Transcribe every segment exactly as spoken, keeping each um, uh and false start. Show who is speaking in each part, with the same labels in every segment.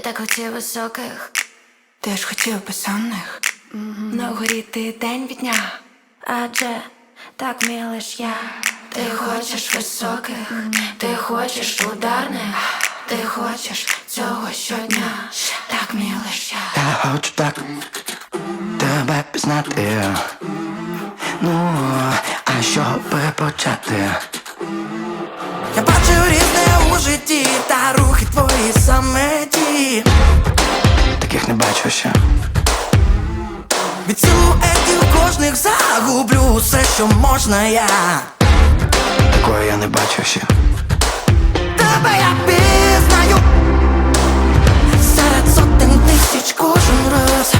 Speaker 1: так хотів високих,
Speaker 2: Ти ж хотів безсонних, mm-hmm. На горі ти день від дня,
Speaker 1: адже так вмію лиш я. Ти хочеш високих, mm-hmm. Ти хочеш ударних, ти хочеш цього щодня, так вмію лиш я.
Speaker 3: Я хочу так тебе пізнати. Ну, а що би почати?
Speaker 4: Я бачу різне у житті, та рухи твої саме ті.
Speaker 3: Таких не бачу ще.
Speaker 4: Від силуетів кожних загублю все, що можна я.
Speaker 3: Такої я не бачу ще.
Speaker 4: Тебе я пізнаю серед сотень тисяч кожен раз.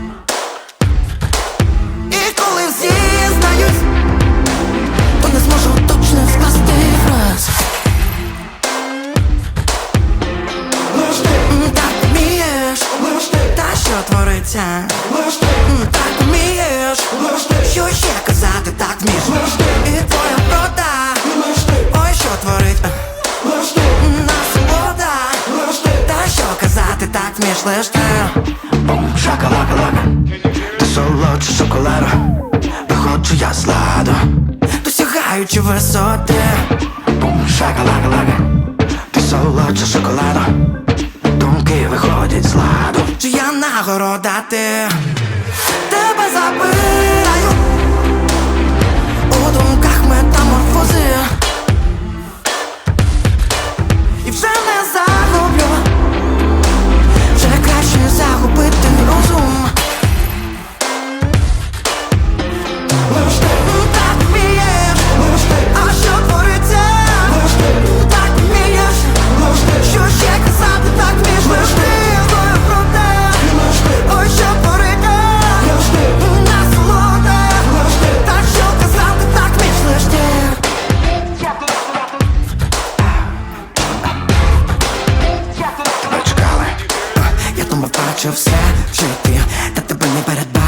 Speaker 4: І коли всі знають, то не зможу точно скласти фраз. Лиш ти так вмієш, лиш ти, та що твориться. Лиш ти так вмієш, лиш ти, що ще казати так вмієш. Лиш ти, і твоя врода, лиш ти, ой, що творить. Лиш ти, насолода, лиш ти, та що казати так вмієш. Лиш ти.
Speaker 3: Бум, шакалака-лака, ти солодше шоколаду, виходжу я з ладу,
Speaker 4: досягаючи висоти.
Speaker 3: Бум, шакалака-лака, ти солодше шоколаду, думки виходять з ладу.
Speaker 4: Чи я нагорода ти? Тебе забираю у думках метаморфози. І вже не загублю, вже краще загубити розум. Лиш ти так вмієш, лиш ти, а що твориться? Лиш ти так вмієш, лиш ти, що ще казати так вмієш. Лиш ти, твоя правда, лиш ти, ой, що твориться? Лиш ти, насолода, лиш ти, та що казати так вмієш. Лиш ти.
Speaker 3: Тебе чекали.
Speaker 4: Я думав, бачив все в житті, та тебе не передбачив.